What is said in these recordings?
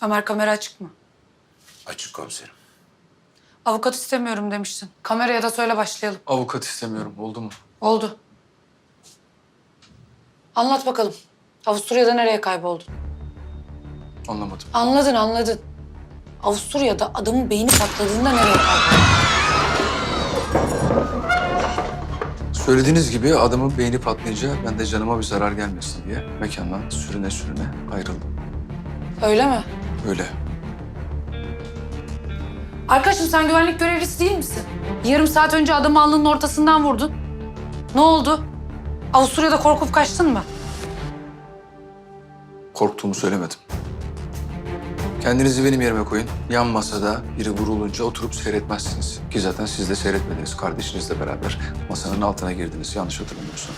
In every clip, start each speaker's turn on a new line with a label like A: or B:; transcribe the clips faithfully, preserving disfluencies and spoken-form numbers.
A: Ömer, kamera açık mı?
B: Açık komiserim.
A: Avukat istemiyorum demiştin. Kameraya da söyle, başlayalım.
C: Avukat istemiyorum. Oldu mu?
A: Oldu. Anlat bakalım. Avusturya'da nereye kayboldun?
C: Anlamadım.
A: Anladın, anladın. Avusturya'da adamın beyni patladığında nereye kayboldun?
C: Söylediğiniz gibi adamın beyni patlayınca ben de canıma bir zarar gelmesin diye mekandan sürüne sürüne ayrıldım.
A: Öyle mi?
C: Öyle.
A: Arkadaşım, sen güvenlik görevlisi değil misin? Yarım saat önce adamı alnının ortasından vurdun. Ne oldu? Avusturya'da korkup kaçtın mı?
C: Korktuğumu söylemedim. Kendinizi benim yerime koyun. Yan masada biri vurulunca oturup seyretmezsiniz. Ki zaten siz de seyretmediniz. Kardeşinizle beraber masanın altına girdiniz. Yanlış hatırlamıyorsam.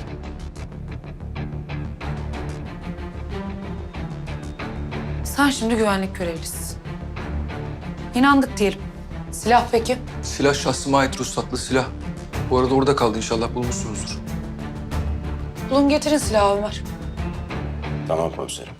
A: Sen şimdi güvenlik görevlisisin. İnandık diyelim. Silah peki?
C: Silah şahsıma ait ruhsatlı silah. Bu arada orada kaldı, inşallah bulmuşsunuzdur.
A: Bulun getirin silahı Ömer.
B: Tamam komiserim.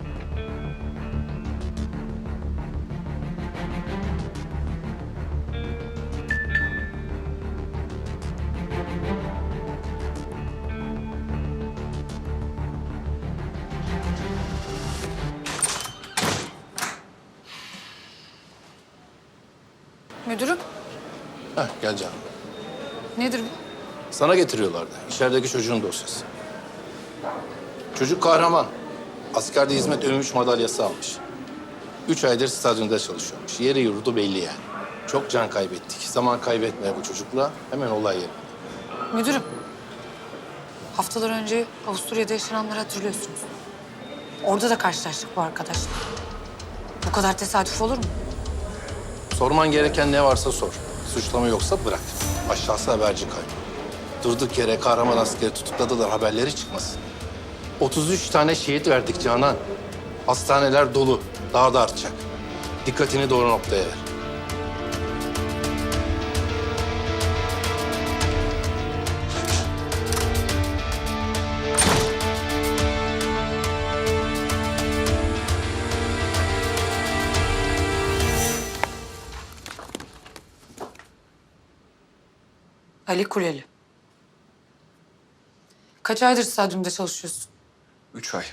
A: Müdürüm,
D: Heh, gel canım.
A: nedir bu?
D: Sana getiriyorlardı. İçerideki çocuğun dosyası. Çocuk kahraman. Askerde hizmet övünmüş madalyası almış. Üç aydır stadyumda çalışıyormuş. Yeri yurdu belli yani. Çok can kaybettik. Zaman kaybetme bu çocukla. Hemen olay yerine.
A: Müdürüm, haftalar önce Avusturya'da yaşananları hatırlıyorsunuz. Orada da karşılaştık bu arkadaşla. Bu kadar tesadüf olur mu?
D: Sorman gereken ne varsa sor. Suçlama yoksa bırak. Aşağısı haberci kaybı. Durduk yere kahraman askeri tutukladılar, haberleri çıkmasın. otuz üç tane şehit verdik Canan. Hastaneler dolu. Daha da artacak. Dikkatini doğru noktaya ver.
A: Ali Kuleli. Kaç aydır stadyumda çalışıyorsun?
C: Üç ay.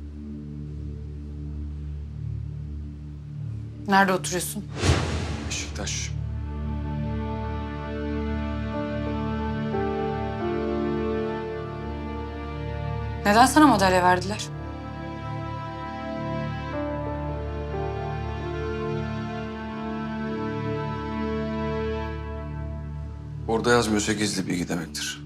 A: Nerede oturuyorsun?
C: Beşiktaş.
A: Neden sana madalya verdiler?
C: Orada yazmıyorsa gizli bilgi demektir.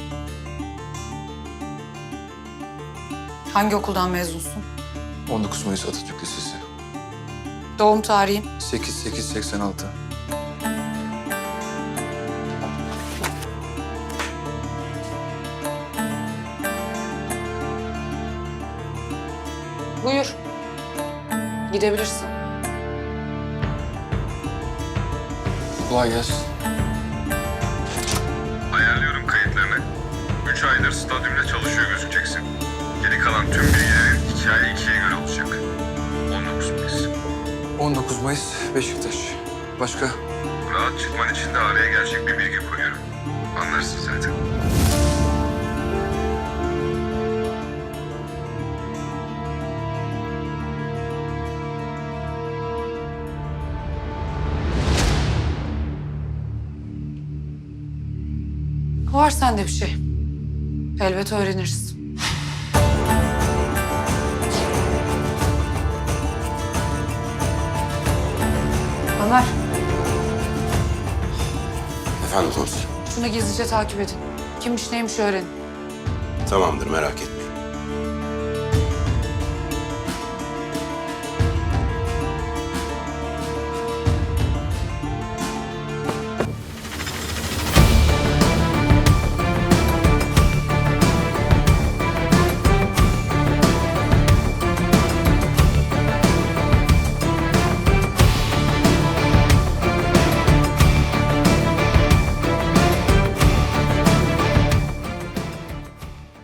A: Hangi okuldan mezunsun?
C: on dokuz Mayıs Atatürk Lisesi.
A: Doğum tarihin?
C: sekiz sekiz seksen altı.
A: Buyur. Gidebilirsin.
C: Kolay gelsin.
E: Ayarlıyorum kayıtlarını. Üç aydır stadyumda çalışıyor gözükeceksin. Geri kalan tüm bilgilerin hikaye ikiye göre olacak. on dokuz Mayıs.
C: on dokuz Mayıs Beşiktaş. Başka?
E: Rahat çıkman için de araya gerçek bir bilgi koyuyorum. Anlarsın zaten.
A: Var sende bir şey. Elbet öğreniriz. Ömer,
B: Efendim komiserim.
A: şunu gizlice takip edin. Kimmiş neymiş öğrenin.
B: Tamamdır, merak etme.